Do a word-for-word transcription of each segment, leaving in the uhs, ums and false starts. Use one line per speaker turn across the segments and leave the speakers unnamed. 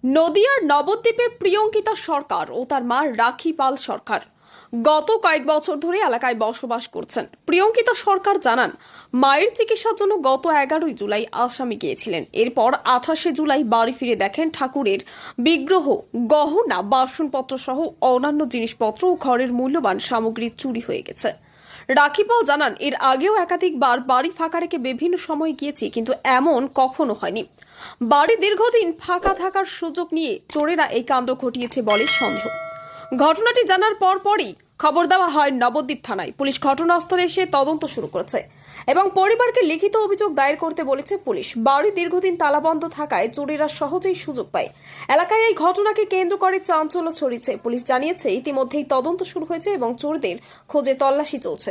নদিয়ার নবদ্বীপে প্রিয়ঙ্কিতা সরকার ও তার মা রাখি পাল সরকার গত কয়েক বছর ধরে এলাকায় বসবাস করছেন। প্রিয়ঙ্কিতা সরকার জানান, মায়ের চিকিৎসার জন্য গত এগারোই জুলাই আসামি গিয়েছিলেন। এরপর আঠাশে জুলাই বাড়ি ফিরে দেখেন ঠাকুরের বিগ্রহ, গহনা, বাসনপত্র সহ অন্যান্য জিনিসপত্র ও ঘরের মূল্যবান সামগ্রী চুরি হয়ে গেছে। রাখি পাল জানান, এর আগেও একাধিকবার বাড়ি ফাঁকা রেখে বিভিন্ন সময় গিয়েছি, কিন্তু এমন কখনো হয়নি। বাড়ি দীর্ঘদিন ফাঁকা থাকার সুযোগ নিয়ে চোরেরা এই কাণ্ড ঘটিয়েছে বলে সন্দেহ। ঘটনাটি জানার পর পরই খবর দেওয়া হয় নবদ্বীপ থানায়। পুলিশ ঘটনাস্থলে এসে তদন্ত শুরু করেছে এবং পরিবারকে লিখিত অভিযোগ দায়ের করতে বলেছে পুলিশ। বাড়ি দীর্ঘদিন তালাবন্ধ থাকায় চোরেরা সহজেই সুযোগ পায়। এলাকায় এই ঘটনাকে কেন্দ্র করে চাঞ্চল্য ছড়িয়েছে। পুলিশ জানিয়েছে, ইতিমধ্যেই তদন্ত শুরু হয়েছে এবং চোরদের খোঁজে তল্লাশি চলছে।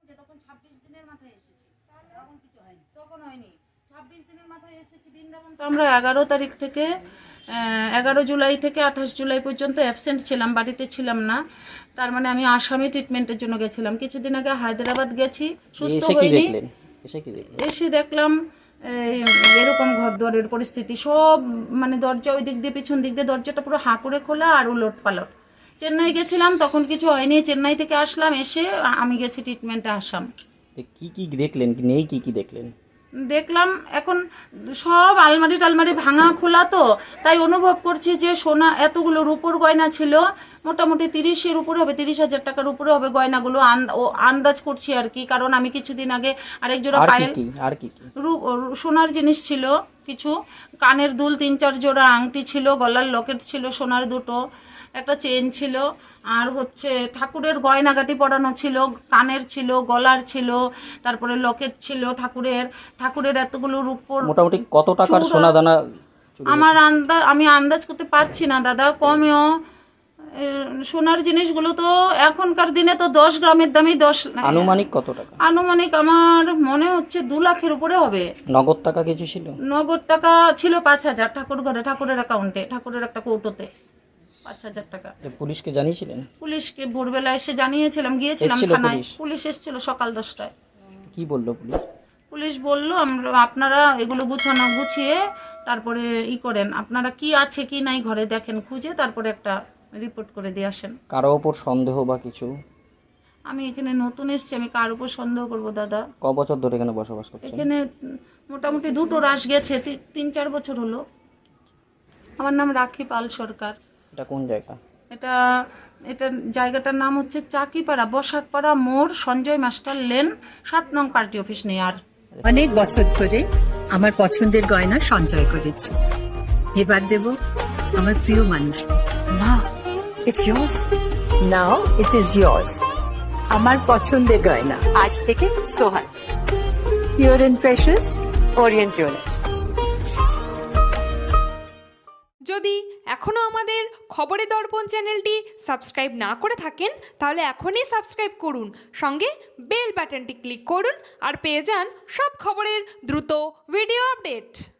আমরা এগারো তারিখ থেকে এগারো জুলাই থেকে আঠাশ জুলাই পর্যন্ত অ্যাবসেন্ট ছিলাম, বাড়িতে ছিলাম না। তার মানে আমি আসামি ট্রিটমেন্টের জন্য গেছিলাম। কিছুদিন আগে হায়দ্রাবাদ গেছি, সুস্থ হইনি। এসে দেখলাম এরকম ঘর দুয়ারের পরিস্থিতি, সব মানে দরজা ওই দিক দিয়ে পিছন দিক দিয়ে দরজাটা পুরো হাঁ করে খোলা আর উলট পালট। চেন্নাই গেছিলাম, তখন কিছু হয়নি। চেন্নাই থেকে আসলাম, এসে আমি গেছি ট্রিটমেন্টে আসাম।
কি কি দেখলেন, নেই কি কি দেখলেন?
দেখলাম এখন সব আলমারি টালমারি ভাঙা খোলা, তো তাই অনুভব করছি যে সোনা এতগুলো রূপোর গয়না ছিল, মোটামুটি তিরিশের উপরে হবে, তিরিশ হাজার টাকার উপরে হবে গয়নাগুলো, আন্দাজ করছি আর কি। কারণ আমি কিছুদিন আগে আরেক জোড়া পায়েল
আর কি
সোনার জিনিস ছিল, কিছু কানের দুল তিন চার জোড়া, আংটি ছিল, গলার লকেট ছিল সোনার দুটো, একটা চেন ছিল, আর হচ্ছে ঠাকুরের গয়নাগাটি পরানো ছিল, কানের ছিল, গলার ছিল, তারপরে লকেট ছিল ঠাকুরের। ঠাকুরের এতগুলো রূপোর
মোটামুটি কত টাকার সোনা দানা?
আমার আন্দাজ আমি আন্দাজ করতে পারছি না দাদা, কমেও সোনার জিনিসগুলো তো এখনকার দিনে তো দশ গ্রামের দামই দশ।
আনুমানিক কত টাকা?
আনুমানিক আমার মনে হচ্ছে দু লাখের উপরে হবে।
নগদ টাকা কিছু ছিল? নগদ
টাকা ছিল পাঁচ হাজার ঠাকুর ঘরে, ঠাকুরের অ্যাকাউন্টে, ঠাকুরের একটা কৌটোতে পাঁচ হাজার টাকা।
পুলিশকে জানিয়েছিলেন?
পুলিশকে ভোরবেলা এসে জানিয়েছিলাম, গিয়েছিলাম থানায়। পুলিশ এসেছিল সকাল দশটায়।
কি বললো পুলিশ?
পুলিশ বললো, আমরা আপনারা এগুলো গুছানো গুছিয়ে তারপরে ই করেন, আপনারা কি আছে কি নাই ঘরে দেখেন, খুঁজে তারপরে একটা রিপোর্ট করে দিয়ে আসেন।
কারো ওপর সন্দেহ বা কিছু?
আমি এখানে নতুন এসেছি, আমি কার উপর সন্দেহ করব দাদা?
ক বছর ধরে এখানে বসবাস করছেন?
এখানে মোটামুটি দুটো রাশ গেছে, তিন চার বছর হলো। আমার নাম রাখি পাল সরকার।
এটা কোন জায়গা?
এটা এটা জায়গাটার নাম হচ্ছে চাকিপাড়া, বসাকপাড়া মোড়, সঞ্জয় মাস্টার লেন, সাত নং পার্টি অফিস নেই। আর
অনেক বছর ধরে আমার পছন্দের গয়না সঞ্চয় করেছি, এবার দেব আমার প্রিয় মানুষ।
না, it's yours. Now it is yours. আমার পছন্দের গয়না আজ থেকে Sohan, pure and precious, Orient jewellers.
যদি এখনও আমাদের খবরের দর্পণ চ্যানেলটি সাবস্ক্রাইব না করে থাকেন, তাহলে এখনই সাবস্ক্রাইব করুন, সঙ্গে বেল বাটনটি ক্লিক করুন আর পেয়ে যান সব খবরের দ্রুত ভিডিও আপডেট।